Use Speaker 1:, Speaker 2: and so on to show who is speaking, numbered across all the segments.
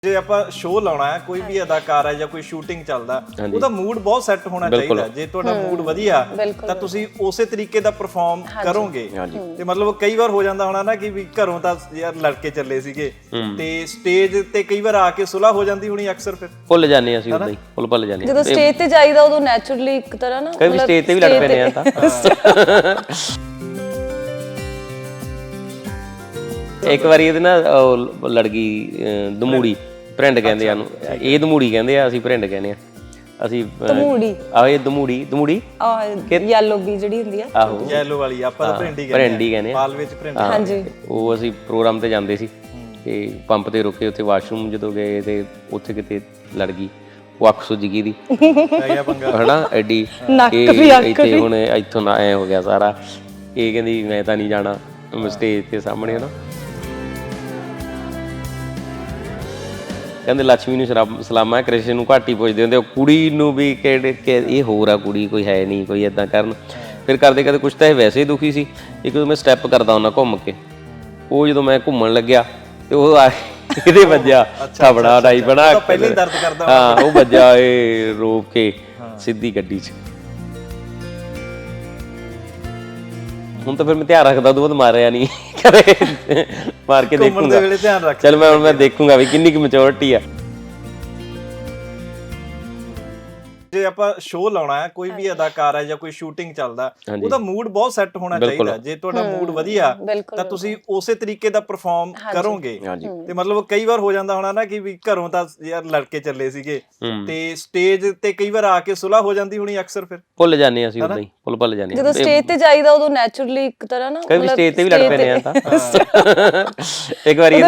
Speaker 1: ਜੇ ਆਪਾਂ ਸ਼ੋਅ ਲਾਉਣਾ ਹੈ ਕੋਈ ਵੀ ਅਦਾਕਾਰ ਹੈ ਜਾਂ ਕੋਈ ਸ਼ੂਟਿੰਗ ਚੱਲਦਾ ਉਹਦਾ ਮੂਡ ਬਹੁਤ ਸੈੱਟ ਹੋਣਾ ਚਾਹੀਦਾ। ਜੇ ਤੁਹਾਡਾ ਮੂਡ ਵਧੀਆ ਤਾਂ ਤੁਸੀਂ ਉਸੇ ਤਰੀਕੇ ਦਾ ਪਰਫਾਰਮ ਕਰੋਗੇ। ਤੇ ਮਤਲਬ ਕਈ ਵਾਰ ਹੋ ਜਾਂਦਾ ਹੋਣਾ ਨਾ ਕਿ ਵੀ ਘਰੋਂ ਤਾਂ ਯਾਰ ਲੜਕੇ ਚੱਲੇ ਸੀਗੇ ਤੇ ਸਟੇਜ ਤੇ ਕਈ ਵਾਰ ਆ ਕੇ ਸੁਲ੍ਹਾ ਹੋ ਜਾਂਦੀ ਹੋਣੀ, ਅਕਸਰ ਫਿਰ
Speaker 2: ਭੁੱਲ ਜਾਂਦੇ ਅਸੀਂ ਉਦਾਂ ਹੀ ਭੁੱਲ ਜਾਂਦੇ
Speaker 3: ਜਦੋਂ ਸਟੇਜ ਤੇ ਜਾਈਦਾ ਉਦੋਂ ਨੈਚੁਰਲੀ ਇੱਕ ਤਰ੍ਹਾਂ ਨਾ
Speaker 2: ਕਈ ਸਟੇਜ ਤੇ ਵੀ ਲੜ ਪੈਨੇ ਆ ਤਾਂ ਇੱਕ ਵਾਰੀ ਇਹਦੇ ਨਾਲ ਲੜਕੀ ਦਮੂੜੀ ਭਰਿੰਡ ਕਹਿੰਦੇ ਆ ਨੂੰ, ਇਹ ਦਮੂੜੀ ਕਹਿੰਦੇ ਆ, ਅਸੀਂ ਭਰਿੰਡ ਕਹਿੰਦੇ ਆ। ਅਸੀਂ
Speaker 3: ਦਮੂੜੀ
Speaker 2: ਇਹ ਦਮੂੜੀ
Speaker 3: ਯੈਲੋ ਵੀ ਜਿਹੜੀ ਹੁੰਦੀ ਆ,
Speaker 2: ਆਹੋ
Speaker 1: ਯੈਲੋ ਵਾਲੀ ਆਪਾਂ ਤਾਂ ਭਰਿੰਡੀ
Speaker 2: ਕਹਿੰਦੇ ਆ,
Speaker 1: ਬਾਲ ਵਿੱਚ ਭਰਿੰਡ।
Speaker 3: ਹਾਂਜੀ,
Speaker 2: ਉਹ ਅਸੀਂ ਪ੍ਰੋਗਰਾਮ ਤੇ ਜਾਂਦੇ ਸੀ ਤੇ ਪੰਪ ਤੇ ਰੁਕੇ, ਉੱਥੇ ਵਾਸ਼ਰੂਮ ਜਦੋਂ ਗਏ ਤੇ ਉੱਥੇ ਕਿਤੇ ਲੜ ਗਈ, ਉਹ ਅੱਖ ਸੁੱਜ ਗਈ ਦੀ ਹਨਾ ਐਡੀ, ਇੱਥੇ ਹੁਣ ਇੱਥੋਂ ਨਾ ਐ ਹੋ ਗਿਆ ਸਾਰਾ। ਇਹ ਕਹਿੰਦੀ ਮੈਂ ਤਾਂ ਨਹੀਂ ਜਾਣਾ ਸਟੇਜ ਤੇ ਸਾਹਮਣੇ ਹਨਾ। ਕਹਿੰਦੇ ਲక్ష్ਮੀ ਨੂੰ ਸਲਾਮਾ, ਕ੍ਰਿਸ਼ਨ ਨੂੰ ਘਾਟੀ ਪੁੱਛਦੇ ਹੁੰਦੇ, ਉਹ ਕੁੜੀ ਨੂੰ ਵੀ ਕਿਹੜੇ ਇਹ ਹੋਰ ਆ ਕੁੜੀ, ਕੋਈ ਹੈ ਨਹੀਂ, ਕੋਈ ਏਦਾਂ ਕਰਨ। ਫਿਰ ਕਰਦੇ ਕਰਦੇ ਕੁਛ ਤਾਂ ਇਹ ਵੈਸੇ ਹੀ ਦੁਖੀ ਸੀ। ਇੱਕ ਜਦੋਂ ਮੈਂ ਸਟੈਪ ਕਰਦਾ ਹੁੰਦਾ ਘੁੰਮ ਕੇ, ਉਹ ਜਦੋਂ ਮੈਂ ਘੁੰਮਣ ਲੱਗਿਆ ਤੇ ਉਹ ਇਹਦੇ ਵੱਜਿਆ ਥਾਬੜਾ ਡਾਈ ਬਣਾ,
Speaker 1: ਪਹਿਲੇ ਦਰਦ ਕਰਦਾ
Speaker 2: ਹਾਂ ਉਹ ਵੱਜਿਆ ਇਹ ਰੋਕ ਕੇ ਸਿੱਧੀ ਗੱਡੀ 'ਚ। ਹੁਣ ਤਾਂ ਫਿਰ ਮੈਂ ਧਿਆਨ ਰੱਖਦਾ, ਉਦੋਂ ਬਾਅਦ ਮਾਰਿਆ ਨਹੀਂ ਕਦੇ, ਮਾਰ ਕੇ ਦੇਖੂੰਗਾ। ਚਲ ਮੈਂ ਦੇਖੂੰਗਾ ਵੀ ਕਿੰਨੀ ਕੁ ਮੈਚੁਰਿਟੀ ਆ।
Speaker 1: ਜੇ ਆਪਾਂ ਸ਼ੋਅ ਲਾਉਣਾ ਹੈ ਕੋਈ ਵੀ ਅਦਾਕਾਰ ਹੈ ਜਾਂ ਕੋਈ ਸ਼ੂਟਿੰਗ ਚੱਲਦਾ ਉਹਦਾ ਮੂਡ ਬਹੁਤ ਸੈੱਟ ਹੋਣਾ ਚਾਹੀਦਾ। ਜੇ ਤੁਹਾਡਾ ਮੂਡ ਵਧੀਆ ਤਾਂ ਤੁਸੀਂ ਉਸੇ ਤਰੀਕੇ ਦਾ ਪਰਫਾਰਮ ਕਰੋਗੇ। ਤੇ ਮਤਲਬ ਕਈ ਵਾਰ ਹੋ ਜਾਂਦਾ ਹੋਣਾ ਨਾ ਕਿ ਵੀ ਘਰੋਂ ਤਾਂ ਯਾਰ ਲੜਕੇ ਚੱਲੇ ਸੀਗੇ ਤੇ ਸਟੇਜ ਤੇ ਕਈ ਵਾਰ ਆ ਕੇ ਸੁਲ੍ਹਾ ਹੋ ਜਾਂਦੀ ਹੋਣੀ, ਅਕਸਰ ਫਿਰ
Speaker 2: ਭੁੱਲ ਜਾਂਦੇ ਅਸੀਂ ਉਦਾਂ ਹੀ ਭੁੱਲ ਜਾਂਦੇ
Speaker 3: ਜਦੋਂ ਸਟੇਜ ਤੇ ਜਾਈਦਾ ਉਦੋਂ ਨੈਚੁਰਲੀ ਇੱਕ ਤਰ੍ਹਾਂ ਨਾ
Speaker 2: ਕਈ ਸਟੇਜ ਤੇ ਵੀ ਲੜ ਪੈਨੇ ਆ ਤਾਂ। ਇੱਕ ਵਾਰੀ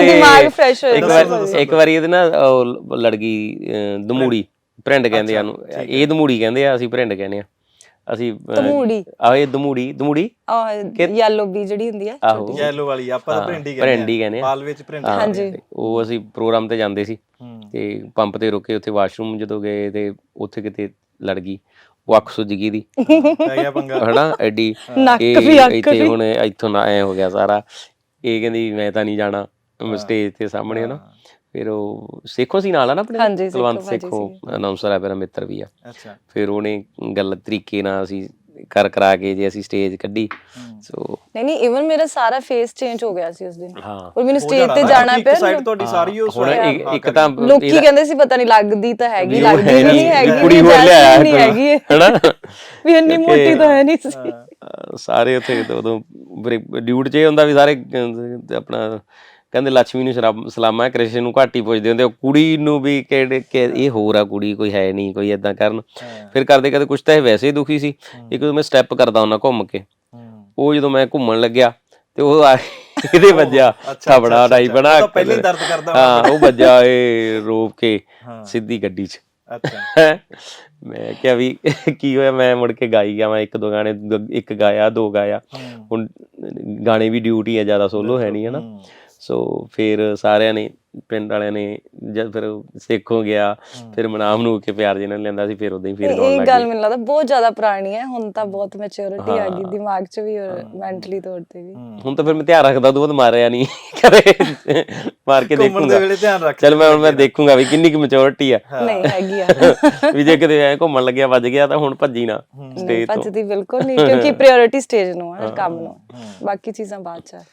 Speaker 2: ਇਹਦੇ ਨਾਲ ਲੜਕੀ ਦਮੂੜੀ ਭਰਿੰਡ ਕਹਿੰਦੇ ਆ ਨੂੰ, ਇਹ ਦਮੂੜੀ ਕਹਿੰਦੇ ਆ, ਅਸੀਂ ਭਰਿੰਡ ਕਹਿੰਦੇ ਆ। ਅਸੀਂ ਇਹ ਦਮੂੜੀ
Speaker 3: ਯੈਲੋ ਵੀ ਜਿਹੜੀ ਹੁੰਦੀ ਆ,
Speaker 1: ਆਹੋ ਯੈਲੋ ਵਾਲੀ ਆਪਾਂ ਤਾਂ ਭਰਿੰਡੀ
Speaker 2: ਕਹਿੰਦੇ ਆ,
Speaker 1: ਬਾਲ ਵਿੱਚ ਭਰਿੰਡ।
Speaker 3: ਹਾਂਜੀ,
Speaker 2: ਉਹ ਅਸੀਂ ਪ੍ਰੋਗਰਾਮ ਤੇ ਜਾਂਦੇ ਸੀ ਤੇ ਪੰਪ ਤੇ ਰੁਕੇ, ਉੱਥੇ ਵਾਸ਼ਰੂਮ ਜਦੋਂ ਗਏ ਤੇ ਉੱਥੇ ਕਿਤੇ ਲੜ ਗਈ, ਉਹ ਅੱਖ ਸੁੱਜ ਗਈ ਦੀ ਹਨਾ ਐਡੀ, ਇੱਥੇ ਹੁਣ ਇੱਥੋਂ ਨਾ ਐ ਹੋ ਗਿਆ ਸਾਰਾ। ਇਹ ਕਹਿੰਦੀ ਮੈਂ ਤਾਂ ਨਹੀਂ ਜਾਣਾ ਸਟੇਜ ਤੇ ਸਾਹਮਣੇ ਹਨਾ। ਫਿਰ ਉਹ ਸੇਖੋ ਸੀ ਨਾਲ ਆ ਨਾ ਆਪਣੇ, ਕੁਲਵੰਤ ਸੇਖੋ ਅਨਾਉਂਸਰ ਹੈ, ਮੇਰਾ ਮਿੱਤਰ ਵੀ ਆ। ਫਿਰ ਉਹਨੇ ਗੱਲ ਤਰੀਕੇ ਨਾਲ ਅਸੀਂ ਕਰਾ ਕੇ ਜੇ ਅਸੀਂ ਸਟੇਜ ਕੱਢੀ। ਸੋ
Speaker 3: ਨਹੀਂ ਇਵਨ ਮੇਰਾ ਸਾਰਾ ਫੇਸ ਚੇਂਜ ਹੋ ਗਿਆ ਸੀ ਉਸ ਦਿਨ, ਔਰ ਮੈਨੂੰ ਸਟੇਜ ਤੇ ਜਾਣਾ ਪਿਆ।
Speaker 1: ਤੁਹਾਡੀ ਸਾਰੀ
Speaker 2: ਹੁਣ ਇੱਕ ਤਾਂ
Speaker 3: ਲੋਕੀ ਕਹਿੰਦੇ ਸੀ ਪਤਾ ਨਹੀਂ ਲੱਗਦੀ ਤਾਂ ਹੈਗੀ, ਲੱਗਦੀ ਨਹੀਂ ਹੈਗੀ,
Speaker 2: ਕੁੜੀ ਹੋਰ ਲਿਆਇਆ
Speaker 3: ਨਹੀਂ ਹੈਗੀ ਹਨਾ, ਵੀ ਇੰਨੀ ਮੋਟੀ ਤਾਂ ਹੈ ਨਹੀਂ ਸੀ।
Speaker 2: ਸਾਰੇ ਉੱਥੇ ਉਦੋਂ ਡਿਊਟ 'ਚ ਇਹ ਹੁੰਦਾ ਵੀ ਸਾਰੇ ਆਪਣਾ ਕਹਿੰਦੇ ਲక్ష్ਮੀ ਨੂੰ ਸਲਾਮਾ, ਕ੍ਰਿਸ਼ਨ ਨੂੰ ਘਾਟੀ ਪੁੱਛਦੇ ਹੁੰਦੇ, ਉਹ ਕੁੜੀ ਨੂੰ ਵੀ ਕਿਹੜੇ ਇਹ ਹੋਰ ਆ ਕੁੜੀ, ਕੋਈ ਹੈ ਨਹੀਂ, ਕੋਈ ਏਦਾਂ ਕਰਨ। ਫਿਰ ਕਰਦੇ ਕਰਦੇ ਕੁਛ ਤਾਂ ਇਹ ਵੈਸੇ ਹੀ ਦੁਖੀ ਸੀ। ਇੱਕ ਜਦੋਂ ਮੈਂ ਸਟੈਪ ਕਰਦਾ ਹੁੰਦਾ ਘੁੰਮ ਕੇ, ਉਹ ਜਦੋਂ ਮੈਂ ਘੁੰਮਣ ਲੱਗਿਆ ਤੇ ਉਹ ਇਹਦੇ ਵੱਜਿਆ ਥਾਬੜਾ ਡਾਈ ਬਣਾ,
Speaker 1: ਪਹਿਲੇ ਦਰਦ ਕਰਦਾ
Speaker 2: ਹਾਂ ਉਹ ਵੱਜਿਆ ਇਹ ਰੋਕ ਕੇ ਸਿੱਧੀ ਗੱਡੀ 'ਚ। ਮੈਂ ਕਿਹਾ ਵੀ ਕੀ ਹੋਇਆ, ਮੈਂ ਮੁੜ ਕੇ ਗਾਈ ਗਿਆ। ਮੈਂ ਇੱਕ ਦੋ ਗਾਣੇ, ਇੱਕ ਗਾਇਆ ਦੋ ਗਾਇਆ। ਹੁਣ ਗਾਣੇ ਵੀ ਡਿਊਟੀ ਆ, ਜ਼ਿਆਦਾ ਸੋਲੋ ਹੈ ਨਹੀਂ ਹਨਾ। ਸੋ ਫਿਰ ਸਾਰਿਆਂ ਨੇ, ਪਿੰਡ ਵਾਲਿਆਂ ਨੇ, ਜਦ ਫਿਰ ਸੇਖੋ ਗਿਆ, ਫਿਰ ਮਨਾਮ ਨੂੰ ਕੇ ਪਿਆਰ ਜਿਹਨਾਂ ਨੇ ਲੈਂਦਾ ਸੀ, ਫਿਰ ਉਦਾਂ ਹੀ ਫਿਰ ਗਾਉਣ ਲੱਗ ਗਏ।
Speaker 3: ਇਹ ਗੱਲ ਮੈਨੂੰ ਲੱਗਦਾ ਬਹੁਤ ਜ਼ਿਆਦਾ ਪੁਰਾਣੀ ਹੈ, ਹੁਣ ਤਾਂ ਬਹੁਤ ਮੈਚੁਰਿਟੀ ਆ ਗਈ ਦਿਮਾਗ 'ਚ ਵੀ ਔਰ ਮੈਂਟਲੀ ਤੌਰ ਤੇ ਵੀ। ਹੁਣ
Speaker 2: ਤਾਂ ਫਿਰ ਮੈਂ ਧਿਆਨ ਰੱਖਦਾ, ਉਦੋਂ ਬਾਅਦ ਮਾਰਿਆ ਨਹੀਂ ਕਦੇ, ਮਾਰ ਕੇ ਦੇਖੂੰਗਾ। ਚਲ ਮੈਂ ਦੇਖੂੰਗਾ ਵੀ ਕਿੰਨੀ ਕੁ ਮੈਚੁਰਿਟੀ ਆ।
Speaker 3: ਨਹੀਂ ਹੈਗੀ ਆ
Speaker 2: ਵੀ ਜੇ ਕਿਤੇ ਐ ਘੁੰਮਣ ਲੱਗਿਆ ਵੱਜ ਗਿਆ ਤਾਂ ਹੁਣ ਭੱਜੀ ਨਾ ਸਟੇਜ ਤੋਂ।
Speaker 3: ਭੱਜਦੀ ਬਿਲਕੁਲ ਨਹੀਂ, ਕਿਉਂਕਿ ਪ੍ਰਾਇੋਰਟੀ ਸਟੇਜ ਨੂੰ ਹੈ, ਕੰਮ ਨੂੰ, ਬਾਕੀ ਚੀਜ਼ਾਂ ਬਾਅਦ 'ਚ।